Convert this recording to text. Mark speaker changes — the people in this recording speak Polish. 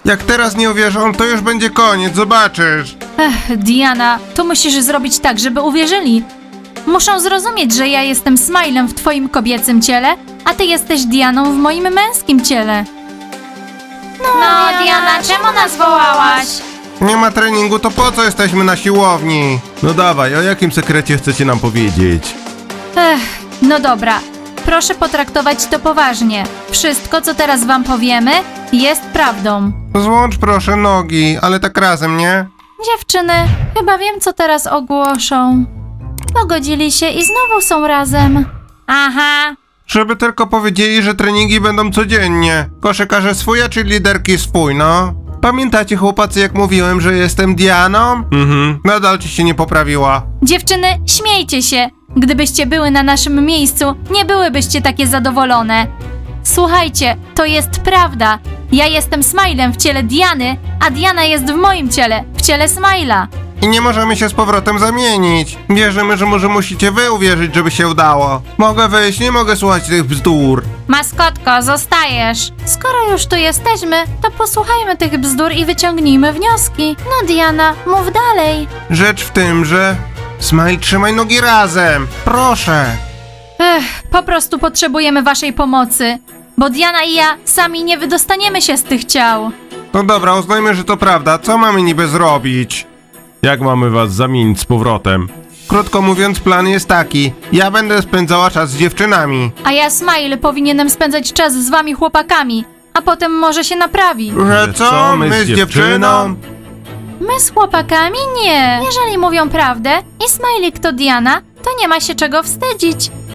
Speaker 1: Jak teraz nie uwierzą, to już będzie koniec, zobaczysz.
Speaker 2: Diana, to musisz zrobić tak, żeby uwierzyli. Muszą zrozumieć, że ja jestem Smilem w twoim kobiecym ciele, a ty jesteś Dianą w moim męskim ciele. No, Diana, czemu nas wołałaś?
Speaker 1: Nie ma treningu, to po co jesteśmy na siłowni? No dawaj, o jakim sekrecie chcecie nam powiedzieć?
Speaker 2: No dobra. Proszę potraktować to poważnie. Wszystko, co teraz wam powiemy, jest prawdą.
Speaker 1: Złącz proszę nogi, ale tak razem, nie?
Speaker 2: Dziewczyny, chyba wiem, co teraz ogłoszą. Pogodzili się i znowu są razem. Aha.
Speaker 1: Żeby tylko powiedzieli, że treningi będą codziennie. Koszykarze swój, a czy liderki swój, no? Pamiętacie, chłopacy, jak mówiłem, że jestem Dianą? Nadal ci się nie poprawiła.
Speaker 2: Dziewczyny, śmiejcie się. Gdybyście były na naszym miejscu, nie byłybyście takie zadowolone. Słuchajcie, to jest prawda. Ja jestem Smilem w ciele Diany, a Diana jest w moim ciele, w ciele Smila.
Speaker 1: I nie możemy się z powrotem zamienić. Wierzymy, że może musicie wy uwierzyć, żeby się udało. Mogę wyjść, nie mogę słuchać tych bzdur.
Speaker 2: Maskotko, zostajesz. Skoro już tu jesteśmy, to posłuchajmy tych bzdur i wyciągnijmy wnioski. No Diana, mów dalej.
Speaker 1: Rzecz w tym, że... Smile, trzymaj nogi razem. Proszę.
Speaker 2: Po prostu potrzebujemy waszej pomocy, bo Diana i ja sami nie wydostaniemy się z tych ciał.
Speaker 1: No dobra, uznajmy, że to prawda. Co mamy niby zrobić? Jak mamy was zamienić z powrotem? Krótko mówiąc, plan jest taki. Ja będę spędzała czas z dziewczynami.
Speaker 2: A ja, Smile, powinienem spędzać czas z wami chłopakami, a potem może się naprawi.
Speaker 1: Że co? My z dziewczyną?
Speaker 2: My z chłopakami? Nie. Jeżeli mówią prawdę i Smiley to Diana, to nie ma się czego wstydzić.